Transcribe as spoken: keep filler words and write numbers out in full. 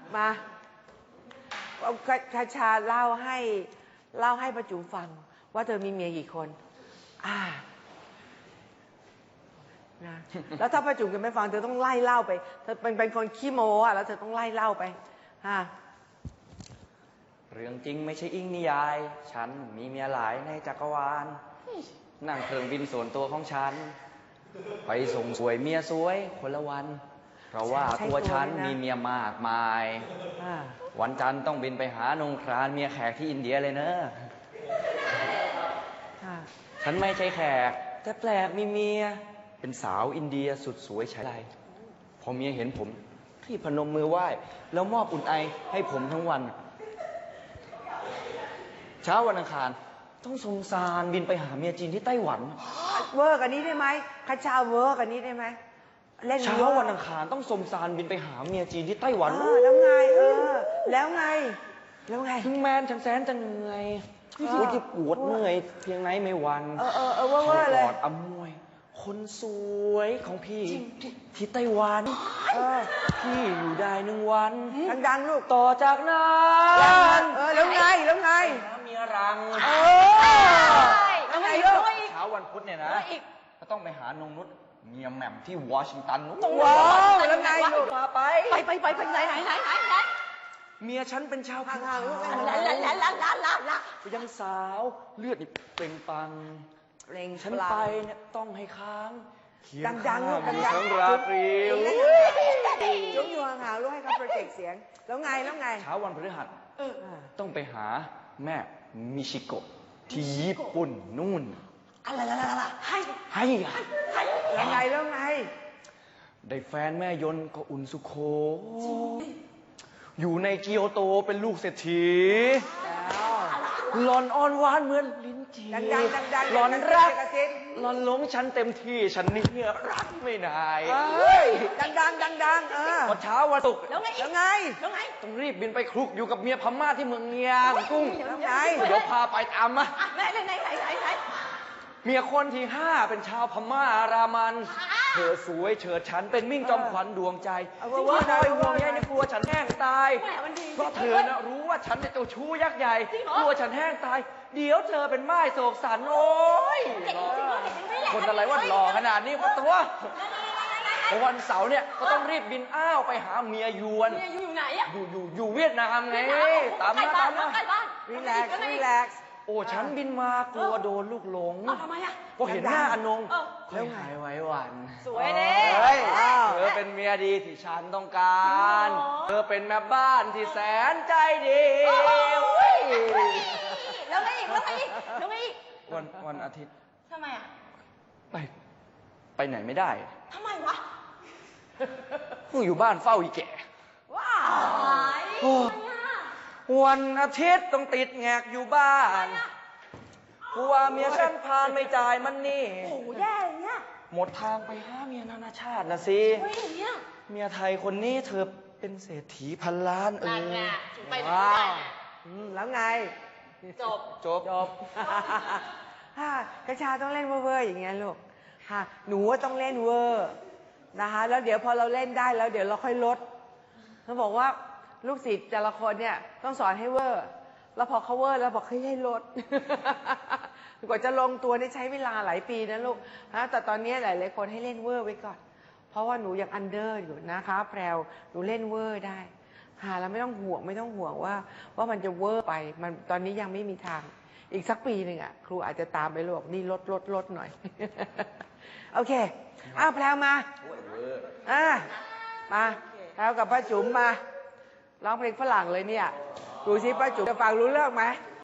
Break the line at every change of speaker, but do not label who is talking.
มาคาชาเล่าให้เล่าให้ป้าจุ๋มฟังว่าเธอมีเมียกี่คนอ่านะแล้วถ้าป้าจุ๋มจะไม่ฟังเธอต้องไล่เล่าไปเธอเป็นเป็นคนขี้โม้อะแล้วเธอต้องไล่เล่าไปฮะ
เรื่องจริงไม่ใช่อิงนิยายฉันมีเมียหลายในจักรวาลนั่งเครื่องบินส่วนตัวของฉันไปส่งสวยเมียสวยคนละวันเพราะว่าตัวฉันมีเมียมากมายวันจันทร์ต้องบินไปหานงครานเมียแขกที่อินเดียเลยเนอะฉันไม่ใช่แขกแต่แปลกมีเมียเป็นสาวอินเดียสุดสวยใช้ไรพอเมียเห็นผมที่พนมมือไหว้แล้วมอบอุ่นไอให้ผมทั้งวันเช้าวันอังคารต้องสงสารบินไปหาเมียจีนที่ไต้หวัน
เวอร์กันนี้ได้ไหมคาชาเวอร์กันนี้ได้ไหมเล่น
เช้าวันอังคารต้องสมสารบินไปหาเมียจีนที่ไต้หวัน
แล้วไงเออแล้วไงแล้วไง
ถึงแม้ฉันแสนจะเหนื่อยรู้ที่ปวดเมื่อยเพียงไหนไม่หวั่น
เออเออเออเวอร์เวอร์เลย
กอดอมวยคนสวยของพี่ที่ไต้หวันพี่อยู่ได้หนึ่งวัน
ดังๆลูก
ต่อจากนั้น
เออแล้วไงแล้วไง
เมียรัง
เออแล้วไงลูก
เช้าวันพุธเนี่ยนะก็ต้องไปหานงนุชเมียแหม่มที่วอชิงตัน
ว้าวแล้วไงลูก
พาไป
ไปไปไปไปไหนไหนไหนไหน
เมียฉันเป็นชาว
พัง
ลาลาลาลาลาลาลา
ยังสาวเลือดนี่เปล่งปังฉันไปเนี่ยต้องให้ค้าง
ดังๆลูกดังๆ
ทั้งราตรี
ยกอยู่ห่างๆลูกให้เขาโปรเจกต์เสียงแล้วไงแล้วไง
เช้าวันพฤหัสต้องไปหาแม่มิชิโกะที่ญี่ปุ่นนู่น
อะไรละละละให้
ให้
แล้วไงแล้วไง
ได้แฟนแม่ยนต์ก็อุ่นสุโขอยู่ในเกียวโตเป็นลูกเศรษฐีหลอนอ่อนหวานเหมือนลิ้นจี่หลอนรักหลอนหลงฉันเต็มที่ฉันนี่รักไม่ได้
ดังดังดังดังเออ
พอเช้าวันศุกร์
แล้วไงแล้วไง
แล้วไง
ต้องรีบบินไปคลุกอยู่กับเมียพม่าที่เมืองเงียงกุ้ง
แล้วไง
เดี๋ยวพาไปตามมา
ไหนไหนไหนไหนไหน
เมียคนที่ห้าเป็นชาวพม่าอารามันเธอสวยเฉิดฉันเป็นมิ่งจอมขวัญดวงใจที่คอยห่วงใยในกลัวฉันแห้งตายเพราะเธอน่ะรู้ว่าฉันเป็นเจ้าชู้ยักษ์ใหญ่กลัวฉันแห้งตายเดี๋ยวเธอเป็นไม้โศกสันโอ้ยคนอะไรว่าหล่อขนาดนี้ว่าตัววันเสาร์เนี่ยก็ต้องรีบบินอ้าวไปหาเมียยวน
เมียอยู่ไหนอะ
อยู่อยู่อยู่เวียดนามไงตามมาตามมา
รีแลกซ์รีแลกซ์
โอ้ฉันบินมากลัวโดนลูกหลง
ทำไมอะ
ก็เห็นหน้าอนงค่อยหายไว้วัน
สวยเด้
เธอเป็นเมียดีที่ฉันต้องการเธอเป็นแม่บ้านที่แสนใจดี
แล้วไงอีกแล้วไงอีกแล้วไงอีก
วันวันอาทิตย์
ทำไมอะ
ไปไปไหนไม่ได้
ทำไมวะ
กูอยู่บ้านเฝ้าอีแก่
ว้าว
วันอาทิตย์ต้องติดแงกอยู่บ้านกลัวเมียฉันพานไม่จ่ายมันนี่
โอ้แย่เนี่ย
หมดทางไปหาเมียนานาชาตินะสิเมียไทยคนนี้เธอเป็นเศรษฐีพันล้านเออ
ว้าว
แล้วไง
จบ
จบ
จบกระชาต้องเล่นเวอร์อย่างเงี้ยลูกหนูว่าต้องเล่นเวอร์นะคะแล้วเดี๋ยวพอเราเล่นได้แล้วเดี๋ยวเราค่อยลดเขาบอกว่าลูกศิษย์แต่ละคนเนี่ยต้องสอนให้เวอร์แล้วพอเขาเวอร์แล้วบอกให้ให้ลดกว่าจะลงตัวนี่ใช้เวลาหลายปีนะลูกนะแต่ตอนนี้หลายๆคนให้เล่นเวอร์ไว้ก่อนเพราะว่าหนูยังอันเดอร์อยู่นะคะแพรวหนูเล่นเวอร์ได้หาแล้วไม่ต้องห่วงไม่ต้องห่วงว่าว่ามันจะเวอร์ไปมันตอนนี้ยังไม่มีทางอีกสักปีหนึ่งอ่ะครูอาจจะตามไปลูกนี่ลดลดลดหน่อยโอเคอ้าวแพรวมาอ่ามาแพรวกับป้าจุ๋มมาร้องเพลงฝรั่งเลยเนี่ยดูสิป้าจุ๋มจะฟังรู้เรื่องไหม